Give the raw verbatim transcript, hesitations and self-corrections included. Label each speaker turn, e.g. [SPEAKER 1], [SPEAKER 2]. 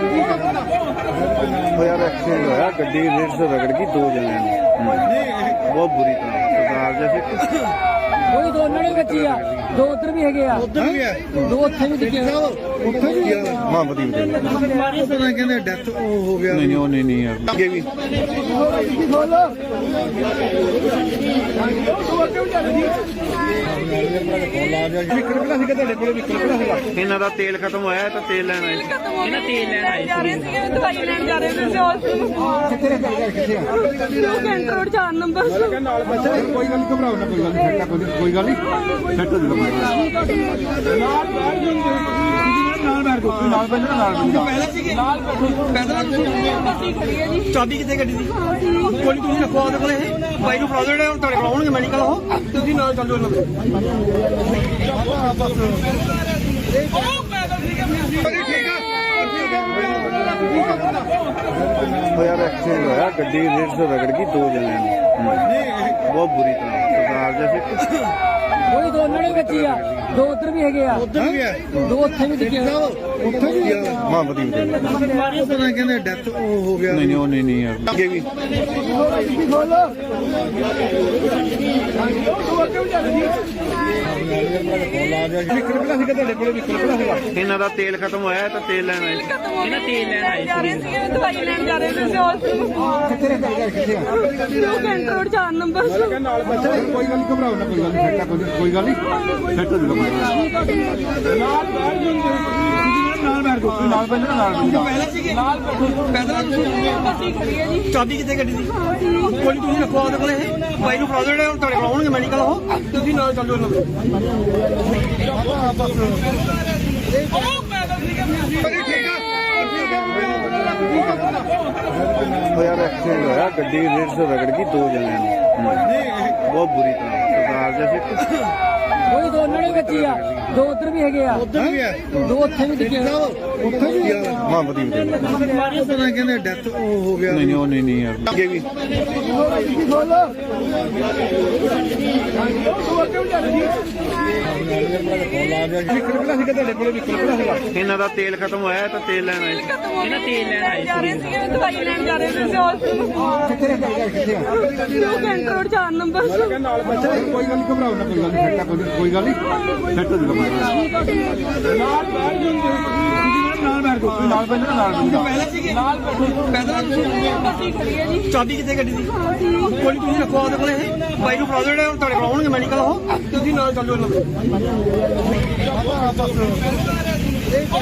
[SPEAKER 1] यार एक्सीडेंट होया गड्डी रेड से रगड़ गई दो जने बहुत बुरी तरह सरदार जैसे
[SPEAKER 2] कोई दो ने बची आ दो उधर भी है उधर भी है दो ਉੱਥੇ ਵੀ ਦਿਖੇ ਉੱਥੇ ਵੀ
[SPEAKER 1] हां बदी
[SPEAKER 3] ਪਤਾ ਕਹਿੰਦੇ ਡੈਥ ਹੋ ਗਿਆ
[SPEAKER 1] नहीं नहीं नहीं नहीं यार आगे भी ਇਹਨਾਂ ਦਾ ਤੇਲ ਖਤਮ ਹੋਇਆ ਤਾਂ ਤੇਲ ਲੈਣ ਆਏ
[SPEAKER 4] ਇਹਨਾਂ ਤੇਲ ਲੈਣ ਆਏ ਸੀ ਦਵਾਈ ਲੈਣ ਜਾ ਰਹੇ ਸੀ ਹਸਪੀਟਲ ਕੈਂਟਰ ਰੋਡ ਚਾਰ ਨੰਬਰ
[SPEAKER 3] ਨਾਲ ਬੱਚਾ ਕੋਈ ਗੱਲ ਨਹੀਂ ਘਬਰਾਓ ਨਾ ਕੋਈ ਗੱਲ ਨਹੀਂ ਕੋਈ ਗੱਲ ਨਹੀਂ ਸੈੱਟ ਹੋ ਜਾਊਗਾ ਨਾਲ ਬੈਠ ਜਾਂਦੇ ਨਾਲ ਬੈਠ ਜਾਓ ਨਾਲ ਬੈਠ ਨਾਲ ਪਹਿਲਾਂ ਸੀਗੇ ਨਾਲ ਪਹਿਲਾਂ
[SPEAKER 4] ਗੱਡੀ ਖੜੀ ਹੈ ਜੀ
[SPEAKER 3] ਚਾਬੀ ਕਿੱਥੇ ਗੱਡੀ ਦੀ ਕੋਈ ਤੁਸੀਂ ਰੱਖੋ ਉਹਦੇ ਕੋਲੇ ਬਾਈ ਨੂੰ ਫੜਾ ਦੇਣਾ ਹੁਣ ਤੁਹਾਡੇ ਕੋਲ ਆਉਣਗੇ ਮੈਡੀਕਲ ਉਹ ਤੁਸੀਂ ਨਾਲ ਚੱਲੋ ਇਹਨਾਂ ਦੇ
[SPEAKER 1] यार एक्सीडेंट होया गड्डी रेड से रगड़ गई दो जने बहुत बुरी तरह सरदार जैसे
[SPEAKER 2] कोई दो ने बची आ दो उधर भी है
[SPEAKER 3] ਉਧਰ ਵੀ ਹੈ
[SPEAKER 2] दो ਉੱਥੇ ਵੀ ਦਿਖੇ
[SPEAKER 3] ਉੱਥੇ ਵੀ
[SPEAKER 1] हां बदी
[SPEAKER 3] ਪਤਾ ਕਹਿੰਦੇ ਡੈਥ ਹੋ ਗਿਆ
[SPEAKER 1] नहीं नहीं नहीं नहीं यार आगे भी ਇਹਨਾਂ ਦਾ ਤੇਲ ਖਤਮ ਹੋਇਆ ਤਾਂ ਤੇਲ ਲੈਣ ਆਏ
[SPEAKER 4] ਇਹਨਾਂ ਤੇਲ ਲੈਣ ਆਏ ਸੀ ਦਵਾਈ ਲੈਣ ਜਾ ਰਹੇ ਸੀ ਹਸਪੀਟਲ ਕੈਂਟਰ ਰੋਡ ਚਾਰ ਨੰਬਰ
[SPEAKER 3] ਨਾਲ ਬੱਚਾ ਕੋਈ ਗੱਲ ਨਹੀਂ ਘਬਰਾਓ ਨਾ ਕੋਈ ਗੱਲ ਨਹੀਂ ਕੋਈ ਗੱਲ ਨਹੀਂ ਸੈੱਟ ਹੋ ਜਾਊਗਾ ਨਾਲ ਬੈਠ ਜਾਂਦੇ ਨਾਲ ਬੈਠ ਜਾਓ ਨਾਲ ਬੈਠ ਨਾਲ ਪਹਿਲਾਂ ਸੀਗੇ ਨਾਲ ਪਹਿਲਾਂ
[SPEAKER 4] ਗੱਡੀ ਖੜੀ ਹੈ ਜੀ
[SPEAKER 3] ਚਾਬੀ ਕਿੱਥੇ ਗੱਡੀ ਦੀ ਕੋਈ ਤੁਸੀਂ ਰੱਖੋ ਉਹਦੇ ਕੋਲੇ ਬਾਈ ਨੂੰ ਫੜਾ ਦੇਣਾ ਹੁਣ ਤੁਹਾਡੇ ਕੋਲ ਆਉਣਗੇ ਮੈਡੀਕਲ ਉਹ ਤੁਸੀਂ ਨਾਲ ਚੱਲੋ ਇਹਨਾਂ ਦੇ
[SPEAKER 1] यार एक्सीडेंट होया गड्डी रेड से रगड़ गई दो जने बहुत बुरी तरह सरदार जैसे
[SPEAKER 2] कोई दो ने बची आ दो उधर भी है
[SPEAKER 3] ਉਧਰ ਵੀ ਹੈ
[SPEAKER 2] दो ਉੱਥੇ ਵੀ ਦਿਖੇ
[SPEAKER 3] ਉੱਥੇ ਵੀ
[SPEAKER 1] हां बदी
[SPEAKER 3] ਪਤਾ ਕਹਿੰਦੇ ਡੈਥ ਹੋ ਗਿਆ
[SPEAKER 1] नहीं नहीं नहीं नहीं यार आगे भी ਇਹਨਾਂ ਦਾ ਤੇਲ ਖਤਮ ਹੋਇਆ ਤਾਂ ਤੇਲ ਲੈਣ ਆਏ
[SPEAKER 4] ਇਹਨਾਂ ਤੇਲ ਲੈਣ ਆਏ ਸੀ ਦਵਾਈ ਲੈਣ ਜਾ ਰਹੇ ਸੀ ਹਸਪੀਟਲ ਕੈਂਟਰ ਰੋਡ ਚਾਰ ਨੰਬਰ
[SPEAKER 3] ਨਾਲ ਬੱਚਾ ਕੋਈ ਗੱਲ ਨਹੀਂ ਘਬਰਾਓ ਨਾ ਕੋਈ ਗੱਲ ਨਹੀਂ ਕੋਈ ਗੱਲ ਨਹੀਂ ਸੈੱਟ ਹੋ ਜਾਊਗਾ ਨਾਲ ਬੈਠ ਜਾਂਦੇ ਨਾਲ ਬੈਠ ਜਾਓ ਨਾਲ ਬੈਠ ਨਾਲ ਪਹਿਲਾਂ ਸੀਗੇ ਨਾਲ ਪਹਿਲਾਂ
[SPEAKER 4] ਗੱਡੀ ਖੜੀ ਹੈ ਜੀ
[SPEAKER 3] ਚਾਬੀ ਕਿੱਥੇ ਗੱਡੀ ਦੀ ਕੋਈ ਤੁਸੀਂ ਰੱਖੋ ਉਹਦੇ ਕੋਲੇ ਬਾਈ ਨੂੰ ਫੜਾ ਦੇਣਾ ਹੁਣ ਤੁਹਾਡੇ ਕੋਲ ਆਉਣਗੇ ਮੈਡੀਕਲ ਉਹ ਤੁਸੀਂ ਨਾਲ ਚੱਲੋ ਇਹਨਾਂ ਦੇ